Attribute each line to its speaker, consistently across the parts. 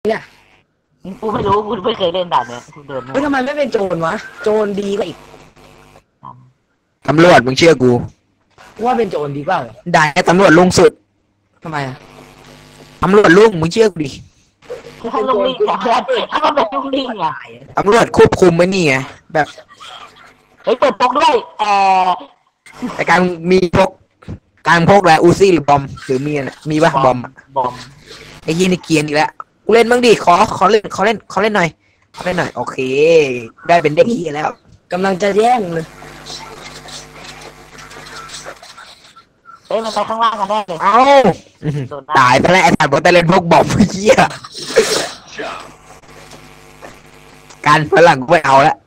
Speaker 1: เนี่ย
Speaker 2: กูไม่รู้กูไม่เคยเล่นด่านเนี้ยกูเดิน
Speaker 1: ทำไมไม่เป็นโจรวะโจรดีกว่าอีก
Speaker 3: ตำรวจมึงเชื่อกู
Speaker 1: ว่าเป็นโจรดีกว่า
Speaker 3: ได้ตำรวจลุงสุด
Speaker 1: ทำไมอะ
Speaker 3: ตำรวจลุงมึงเชื่อกูดิ
Speaker 2: ถ้าลุงลิงอะถ้ามันเป็นลุงลิงอะ
Speaker 3: ตำรวจควบคุมไว้นี่ไงแบบ
Speaker 2: เฮ้ยเปิดปกด้วย
Speaker 3: แต่การมีพกการพกอะไรอูซี่หรือบอมหรือมีป่ะบอมไอ้ยี่นี่เกียนอีกแล้วกูเล่นบ้างดิขอเล่นหน่อยโอเคได้เป็นเด็กขี้แล้ว
Speaker 1: กำลังจะแย่งเลย
Speaker 2: เฮ้ยมันไปข้างล่างกันแน่เลย
Speaker 3: เอ้าตายไปแล้วไอ้สัตว์บอกแต่เล่นพวกบอมเหี้ยการฝรั่งกูไม่เอาแล้ว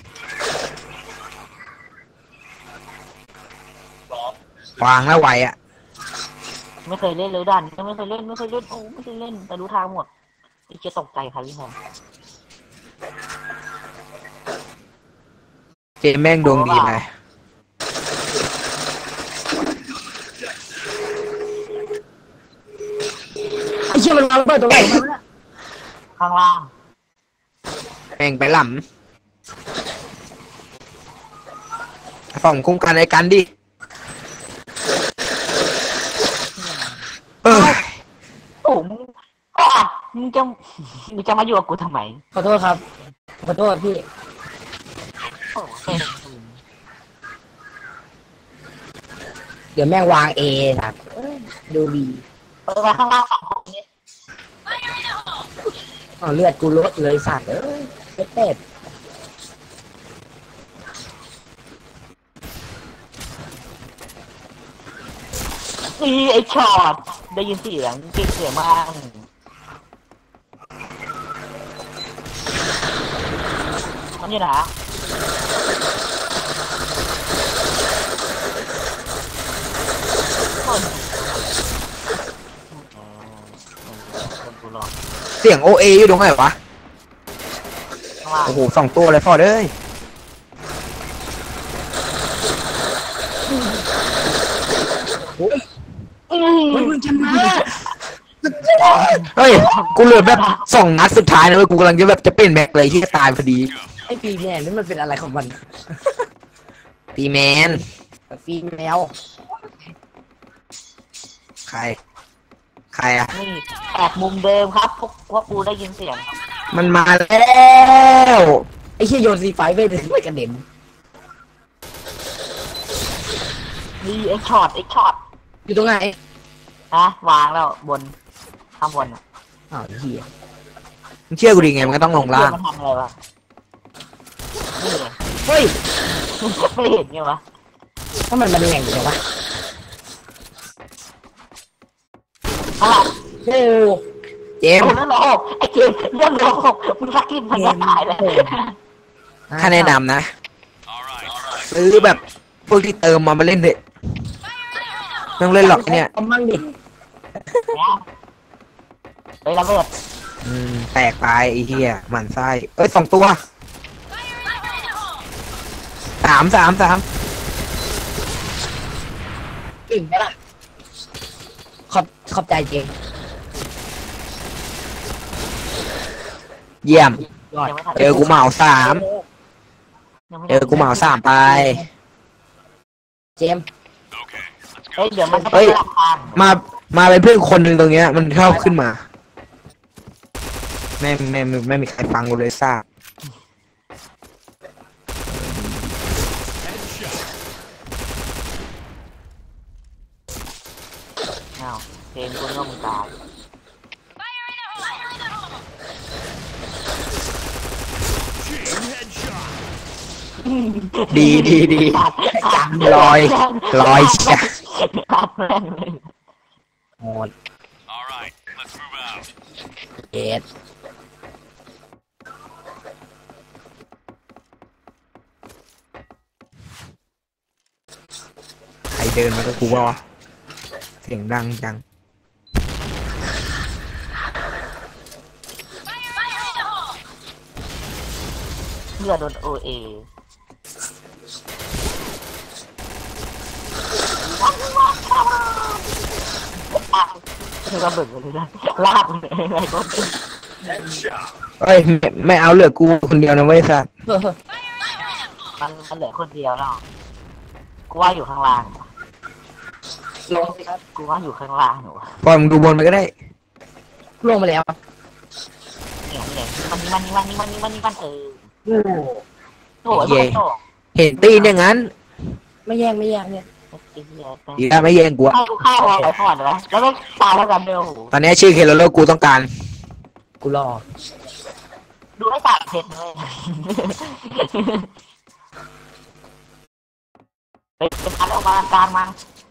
Speaker 3: วางแล้วไหวอ่ะ
Speaker 2: ไม่เคยเล่นเลยด่านไม่เคยเล่นโอ้ไม่เคยเล่นแต่รู้ทางหมดจะตกใจครับพี่แฮม
Speaker 3: เจแม่งดวงดีเลย
Speaker 1: ไอ้เชี่ยมันวางเปิดตรงไหน
Speaker 2: ข้างล่าง
Speaker 3: แม่งไปหล่ำส่องคุ้มกันไอ้กันดิ
Speaker 2: โอ้มึงจะมาอยู่กับกูทำไม
Speaker 1: ขอโทษครับขอโทษพี่เดี๋ยวแม่งวางเอครับดูดี
Speaker 2: มาข้างล่างของนี้
Speaker 1: เลือดกูลดเลยสัตว์เป็ด
Speaker 2: นี่ไอ้ช็อตได้ยินเสียงเก่งเสียงมากมันอยู่ไหน
Speaker 3: เสียงโอเออยู่ตรงไหนวะโอ้โห2 ตัวเลยพอเลย
Speaker 1: มึงชนะ
Speaker 3: เฮ้ยกูเหลือแบบ2 นัดสุดท้ายนะเว้ยกูกำลังจะแบบจะเปลี่ยนแม็กเลยที่จะตายพอดี
Speaker 1: ไอ้ปีแมนนี่มันเป็นอะไรของมัน
Speaker 3: ปีแมน
Speaker 1: ปีแมว
Speaker 3: ใครอ่ะ
Speaker 2: นี่แอบมุมเดิมครับพวกกูได้ยินเสียง
Speaker 3: มันมาแล้ว
Speaker 1: ไอ้เชี่ยโยนซีไฟไปถึงไม่กระเด็น
Speaker 2: นี่ไอ้ช็อต
Speaker 1: อยู่ตรงไหน
Speaker 2: นะวางแล้วบนข้างบน
Speaker 1: อ้าวเหี้ย
Speaker 3: มึงเชื่อกูดิไงมันก็ต้องลงล่าง
Speaker 2: มันทำอะไรวะนี่
Speaker 1: เฮ้ย
Speaker 2: ไม่เห็นไงวะ
Speaker 1: ถ้ามันแหงอยู่ไหนวะโอ้
Speaker 3: เจม
Speaker 2: เรื่องโลกไอ้เจมเรื่องโลกมึงสักกินมันจะตายเลย
Speaker 3: ถ้าแนะนำนะซื้อแบบพวกที่เติมมาเล่นเถอะไม่ต้องเล่นหรอกเนี่ย
Speaker 1: มั่งดิ
Speaker 2: ไประเบิด
Speaker 3: แตกตายไอ้เหี้ยหมันไส้2 ตัว3
Speaker 1: อิ่มไหมล่ะขอบใจเจง
Speaker 3: เยี่ยมเจอกูเหมา3ไป
Speaker 1: เจม
Speaker 2: เฮ้ยเดี๋ยวมัน
Speaker 3: มาเป็นเพื่อนคนหนึ่งตรงเนี้ยมันชอบขึ้นมาไม่มีใครฟังกูเลยซ่า
Speaker 2: เจมกูก็มึงตาย
Speaker 3: ดีจังลอยเชีย
Speaker 1: หมดเอ็ด
Speaker 3: ใครเดินมาก็กูว่าเสียงดังจัง
Speaker 2: เพื่อโดนโอเอคือระเบิดเลยนะลากเลยอะไรก็
Speaker 3: เอ้ยไม่เอาเหลือกูคนเดียวนะเว้ยสัส
Speaker 2: มันเหลือคนเดียวแล้วกูว่าอยู่ข้างล่าง
Speaker 1: ลงสิครับ
Speaker 2: กูว่าอยู่ข้างล่างหนู
Speaker 3: ปล่อยมึงดูบนไปก็ได้
Speaker 1: ลงมาแล้ว
Speaker 2: เนี่ยมันเออ
Speaker 1: โอ้โห
Speaker 2: โถ่ไอ้พวก
Speaker 3: เห็นตีนอย่างนั้น
Speaker 1: ไม่แย่งไม่แย่งเนี่ย
Speaker 3: อีกแล้วไม่แย่งกูอะ
Speaker 2: ให้กูฆ่าไอ้พอดเลยแล้วก็ตายแล้วกันเดียวโห
Speaker 3: ตอนนี้ชื่อเคโรโลกูต้องการ
Speaker 1: กูรอ
Speaker 2: ดูไอ้ตากเพชรเลยไปพัดออกมาการมัน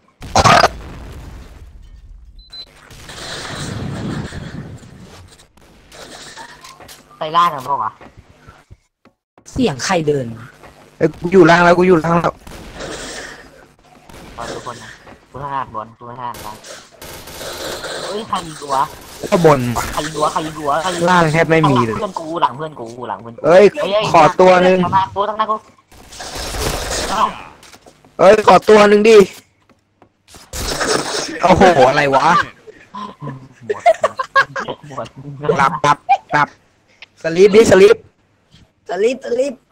Speaker 2: ไปล่ากันปะวะ
Speaker 1: เสียงใครเดิน
Speaker 3: เอ้ยกูอยู่ล่างแล้วกูอยู่ล่างแล้ว
Speaker 2: บอลทุกคนนะกูถนัดบอลกูถนัดบอลเฮ้ยใครยิงตัว
Speaker 3: ก็บนว่ะ
Speaker 2: ใครยิงตัวใครยิงตัวใครยิง
Speaker 3: ล่างแทบไม่มีเลย
Speaker 2: เพื่อนกูหลังเพื่อนกูหลังเพื่อนกู
Speaker 3: เอ้ยขอตัวหนึ่ง
Speaker 2: ทำไมกูต้องนั่งกูเอ้า
Speaker 3: เอ้ยขอตัวหนึ่งดิโอ้โหอะไรวะ
Speaker 2: หมด
Speaker 3: หลับสลีปดิสลีป
Speaker 1: สลิป